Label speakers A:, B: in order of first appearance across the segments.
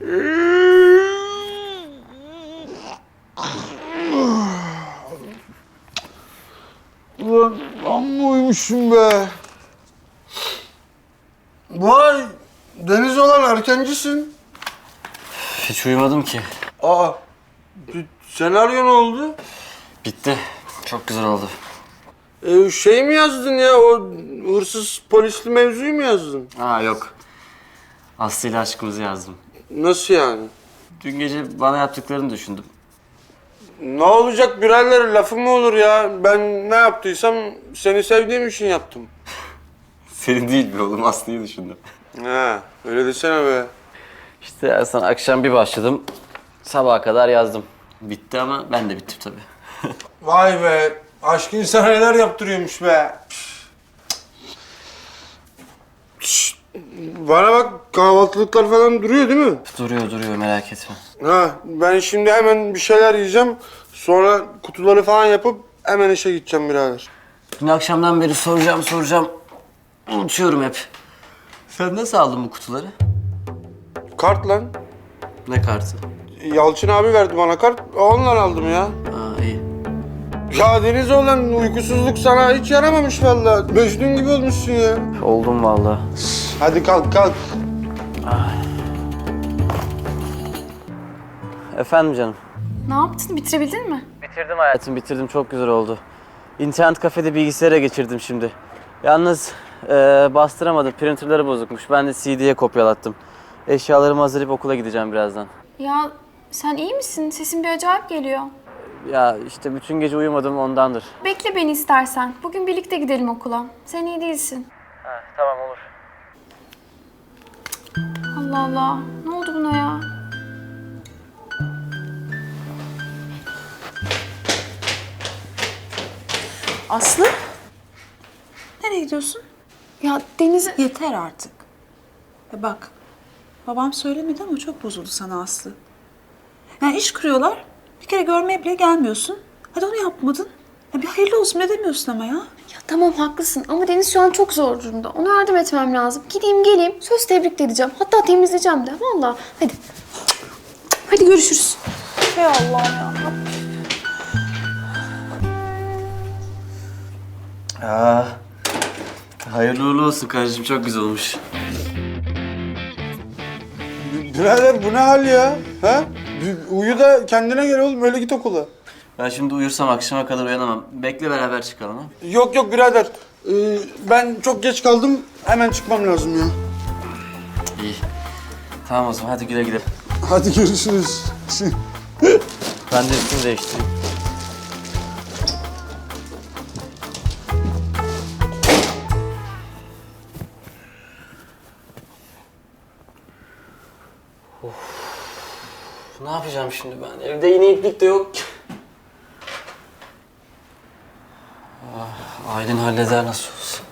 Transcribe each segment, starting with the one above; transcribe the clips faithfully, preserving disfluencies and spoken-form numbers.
A: Ulan amma uyumuşum be. Vay, Deniz olan erkencisin.
B: Hiç uyumadım ki.
A: Aa, senaryo ne oldu?
B: Bitti. Çok güzel oldu.
A: Ee, şey mi yazdın ya, o hırsız polisli mevzuyu mu yazdın?
B: Aa yok. Aslı ile aşkımızı yazdım.
A: Nasıl yani?
B: Dün gece bana yaptıklarını düşündüm.
A: Ne olacak birader, lafı mı olur ya? Ben ne yaptıysam seni sevdiğim için yaptım.
B: Senin değil be oğlum, Aslı'yı düşündüm.
A: Ha, öyle desene be.
B: İşte Ersan, akşam bir başladım. Sabaha kadar yazdım. Bitti ama ben de bittim tabii.
A: Vay be, aşk insana neler yaptırıyormuş be. Şşt, bana bak, kahvaltılıklar falan duruyor değil mi?
B: Duruyor duruyor, merak etme.
A: Ha, ben şimdi hemen bir şeyler yiyeceğim. Sonra kutuları falan yapıp hemen işe gideceğim birader.
B: Dün akşamdan beri soracağım soracağım. Unutuyorum hep. Sen nasıl aldın bu kutuları?
A: Kart lan.
B: Ne kartı?
A: Yalçın abi verdi bana kart. Ondan aldım ya.
B: Aa iyi.
A: Ya Deniz olan uykusuzluk sana hiç yaramamış vallahi. Mecnun gibi olmuşsun ya.
B: Oldum vallahi.
A: Hadi kalk kalk.
B: Efendim canım.
C: Ne yaptın? Bitirebildin mi?
B: Bitirdim hayatım, bitirdim. Çok güzel oldu. İnternet kafede bilgisayara geçirdim şimdi. Yalnız e, bastıramadım. Printerları bozukmuş. Ben de C D'ye kopyalattım. Eşyalarımı hazırlayıp okula gideceğim birazdan.
C: Ya sen iyi misin? Sesin bir acayip geliyor.
B: Ya işte bütün gece uyumadım, ondandır.
C: Bekle beni istersen. Bugün birlikte gidelim okula. Sen iyi değilsin.
B: Ha, tamam olur.
C: Allah Allah. Ne oldu buna ya?
D: Aslı? Nereye gidiyorsun?
C: Ya Deniz...
D: Yeter artık. E bak, babam söylemedi ama çok bozuldu sana Aslı. Yani iş kuruyorlar, bir kere görmeye bile gelmiyorsun. Hadi onu yapmadın. Ya bir hayırlı olsun ne demiyorsun ama ya?
C: Ya tamam haklısın ama Deniz şu an çok zor durumda. Ona yardım etmem lazım. Gideyim geleyim. Söz tebrik de edeceğim. Hatta temizleyeceğim de. Vallahi. Hadi. Hadi görüşürüz.
D: Hey Allah'ım ya.
B: Aa, hayırlı uğurlu olsun kardeşim, çok güzel olmuş.
A: Birader bu ne hal ya? Ha? Bir uyu da kendine gel oğlum, öyle git okula.
B: Ben şimdi uyursam akşama kadar uyanamam. Bekle, beraber çıkalım ha.
A: Yok yok birader. Ee, ben çok geç kaldım. Hemen çıkmam lazım ya.
B: İyi. Tamam o zaman, hadi güle güle.
A: Hadi görüşürüz.
B: Ben de üstümü değiştireyim. Of. Ne yapacağım şimdi ben? Evde yine iplik de yok ki. Ah, Aylin halleder nasıl olsa.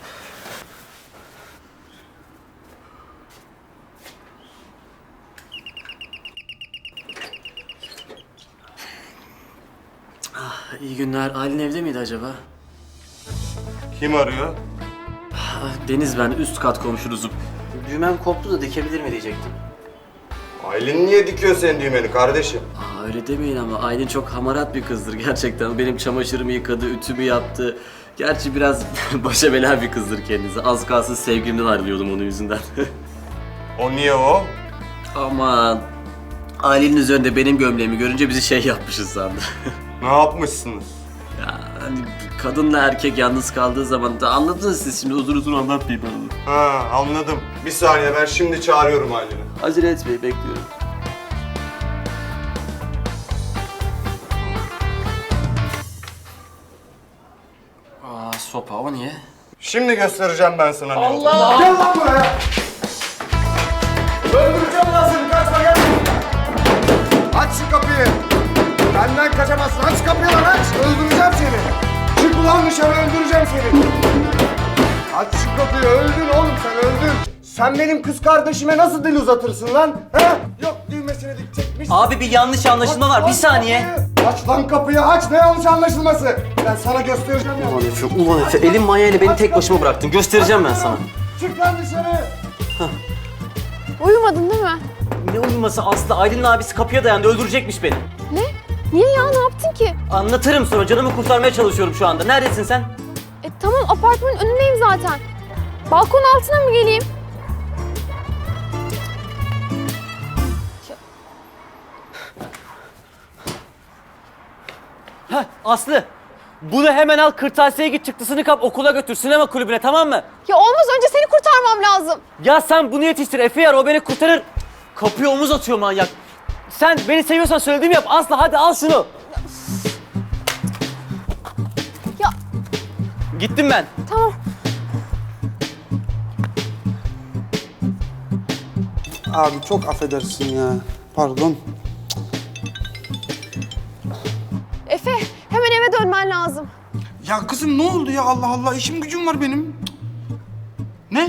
B: Ah, iyi günler. Aylin evde miydi acaba?
A: Kim arıyor?
B: Ah, Deniz ben, üst kat komşunuzum. Düğmem koptu da dikebilir mi diyecektim.
E: Aylin niye dikiyor senin düğmeni kardeşim?
B: Aa, öyle demeyin ama Aylin çok hamarat bir kızdır gerçekten. Benim çamaşırımı yıkadı, ütümü yaptı. Gerçi biraz başa bela bir kızdır kendisi. Az kalsın sevgilimden ayrılıyordum onun yüzünden.
E: O niye o?
B: Aman. Aylin'in üzerinde benim gömleğimi görünce bizi şey yapmışız sandı.
E: Ne yapmışsınız?
B: Ya hani kadınla erkek yalnız kaldığı zaman da anladınız siz, şimdi uzun uzun anlatmayayım ben onu.
E: Ha anladım. Bir saniye, ben şimdi çağırıyorum Aylin'i.
B: Acele etmeyin, bekliyorum. Aa, sopa, o niye?
E: Şimdi göstereceğim ben sana ne olduğunu. Gel lan buraya! Öldüreceğim lan seni, kaçma gel! Aç şu kapıyı! Benden kaçamazsın, aç kapıyı lan aç! Öldüreceğim seni! Çık ulan dışarı, öldüreceğim seni! Aç şu kapıyı, öldün oğlum sen, öldün! Sen benim kız kardeşime nasıl dil uzatırsın lan? He? Yok düğmesini dikecekmiş.
B: Abi bir yanlış anlaşılma var, bir saniye.
E: Aç lan kapıyı, aç! Ne yanlış anlaşılması? Ben sana göstereceğim ya.
B: Ulan Efe, ulan Efe, elin manyayla beni tek başıma bıraktın. Göstereceğim ben sana.
E: Çık lan dışarı!
C: Uyumadın değil mi?
B: Ne uyuması Aslı? Aylin'in abisi kapıya dayandı, öldürecekmiş beni.
C: Ne? Niye ya? Ne yaptın ki?
B: Anlatırım sonra, canımı kurtarmaya çalışıyorum şu anda. Neredesin sen?
C: E tamam, apartmanın önündeyim zaten. Balkonun altına mı geleyim?
B: Heh, Aslı! Bunu hemen al, kırtasiyeye git, çıktısını kap, okula götür, sinema kulübüne, tamam mı?
C: Ya olmaz, önce seni kurtarmam lazım.
B: Ya sen bunu yetiştir, Efe yar, o beni kurtarır. Kapıya omuz atıyor manyak. Sen beni seviyorsan söylediğimi yap Aslı, hadi al şunu.
C: Ya
B: Gittim ben.
C: tamam.
A: Abi çok affedersin ya. Pardon.
C: Efe, hemen eve dönmen lazım.
F: Ya kızım ne oldu ya Allah Allah işim gücüm var benim. Ne?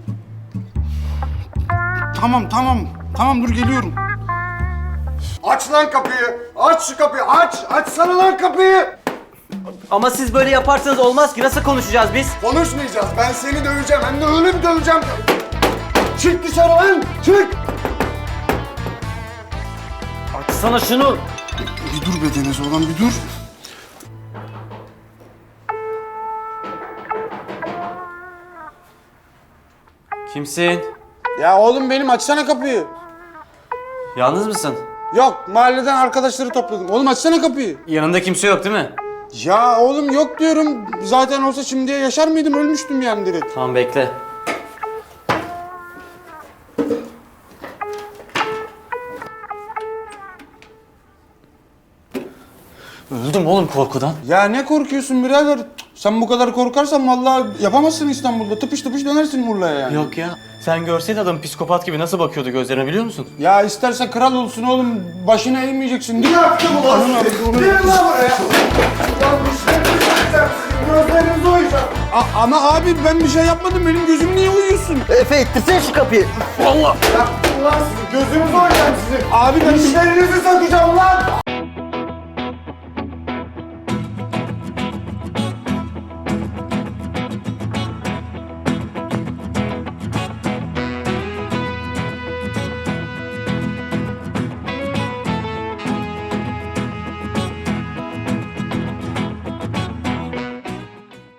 F: Tamam tamam tamam dur geliyorum.
E: Aç lan kapıyı. Aç şu kapıyı. Aç. Açsana lan kapıyı.
B: Ama siz böyle yaparsanız olmaz ki, nasıl konuşacağız biz?
E: Konuşmayacağız. Ben seni döveceğim. Hem de öyle bir döveceğim. Çık dışarı lan. Çık.
B: Açsana şunu.
F: Bir dur be Deniz oğlan bir dur.
B: Kimsin?
A: Ya oğlum benim, açsana kapıyı.
B: Yalnız mısın?
A: Yok, mahalleden arkadaşları topladım. Oğlum açsana kapıyı.
B: Yanında kimse yok değil mi?
A: Ya oğlum yok diyorum. Zaten olsa şimdiye yaşar mıydım? Ölmüştüm yani direkt.
B: Tamam bekle. Öldüm oğlum korkudan.
A: Ya ne korkuyorsun birader? Sen bu kadar korkarsan vallahi yapamazsın İstanbul'da. Tıpış tıpış dönersin Urla'ya yani.
B: Yok ya. Sen görseydin adam psikopat gibi nasıl bakıyordu gözlerine, biliyor musun?
A: Ya isterse kral olsun oğlum. Başına eğmeyeceksin. Değil mi?
E: Yaptım ulan seni. Gelin lan buraya. Ulan dişlerinizi yiyeceğim sizin. Gözlerinizi oyacağım.
A: A- ama abi ben bir şey yapmadım. Benim gözüm niye uyuyorsun?
B: Efe ittirsene şu kapıyı.
A: Allah!
E: Yaptım ulan sizi. Gözünüzü oyacağım sizin.
A: Abi ben...
E: Dişlerinizi sökeceğim lan.